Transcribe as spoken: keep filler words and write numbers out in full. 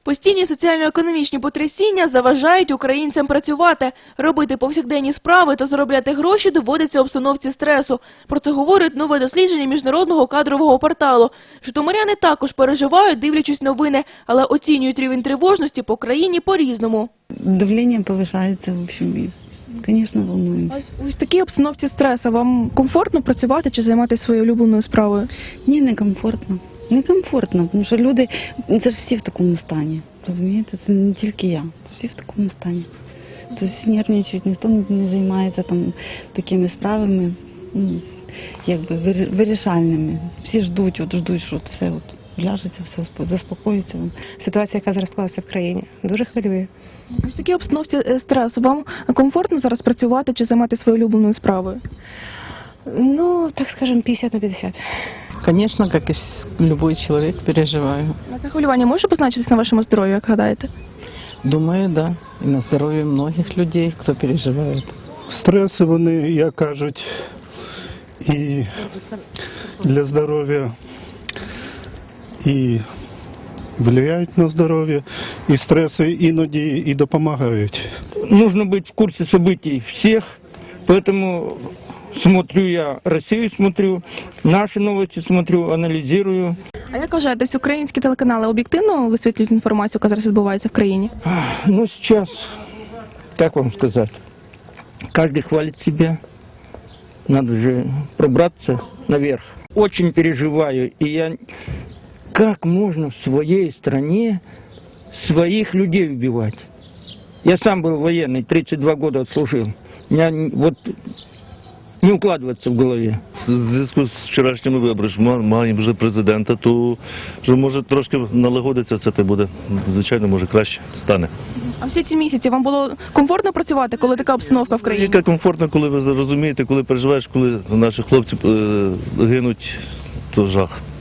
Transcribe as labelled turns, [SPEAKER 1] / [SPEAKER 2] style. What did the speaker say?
[SPEAKER 1] Постійні соціально-економічні потрясіння заважають українцям працювати. Робити повсякденні справи та заробляти гроші доводиться в обстановці стресу. Про це говорить нове дослідження міжнародного кадрового порталу. Житомиряни також переживають, дивлячись новини, але оцінюють рівень тривожності по країні по-різному.
[SPEAKER 2] Давление повышается, в общем, и, конечно, волнуемся.
[SPEAKER 1] Ось у такій обстановці стресу вам комфортно працювати чи займатися своєю улюбленою справою?
[SPEAKER 2] Ні, некомфортно. Некомфортно, тому що люди, це ж всі в такому стані, розумієте? Це не тільки я, всі в такому стані. Тобто нервничають, ніхто не займається там такими справами, ну, якби вирішальними. Всі ждуть, от ждуть, що от все от ляжеться, все заспокоїться.
[SPEAKER 3] Ситуація, яка зараз склалася в країні, дуже хвилює.
[SPEAKER 1] В такій обстановці стресу вам комфортно зараз працювати чи займатися своєю улюбленою справою?
[SPEAKER 3] Ну, так скажем, п'ятдесят на п'ятдесят.
[SPEAKER 4] Конечно, как и любой человек, переживаю.
[SPEAKER 1] А це хвилювання може позначитись на вашому здоров'ю, як гадаєте?
[SPEAKER 4] Думаю, да. І на здоров'я многих людей, хто переживає.
[SPEAKER 5] Стреси, вони, як кажуть, і для здоров'я, і впливають на здоров'я, і стреси іноді і допомагають.
[SPEAKER 6] Нужно быть в курсе событий всех, поэтому смотрю я Россию, смотрю, наши новости смотрю, анализирую.
[SPEAKER 1] А як вважаєте, всі українські телеканали об'єктивно висвітлюють інформацію, яка зараз відбувається в країні?
[SPEAKER 6] Ну, сейчас, как вам сказать, каждый хвалит себя, надо же пробраться наверх. Очень переживаю, и я, как можно в своей стране своих людей убивать? Я сам был военный, тридцать два года отслужил. У меня вот не укладывается в голове.
[SPEAKER 7] В зв'язку з вчорашніми виборами маємо вже президента, то вже може трошки налагодиться все те буде. Звичайно, може краще стане.
[SPEAKER 1] А всі ці місяці вам було комфортно працювати, коли така обстановка в країні?
[SPEAKER 7] Яка комфортно, коли ви розумієте, коли переживаєш, коли наші хлопці е, гинуть, то жах.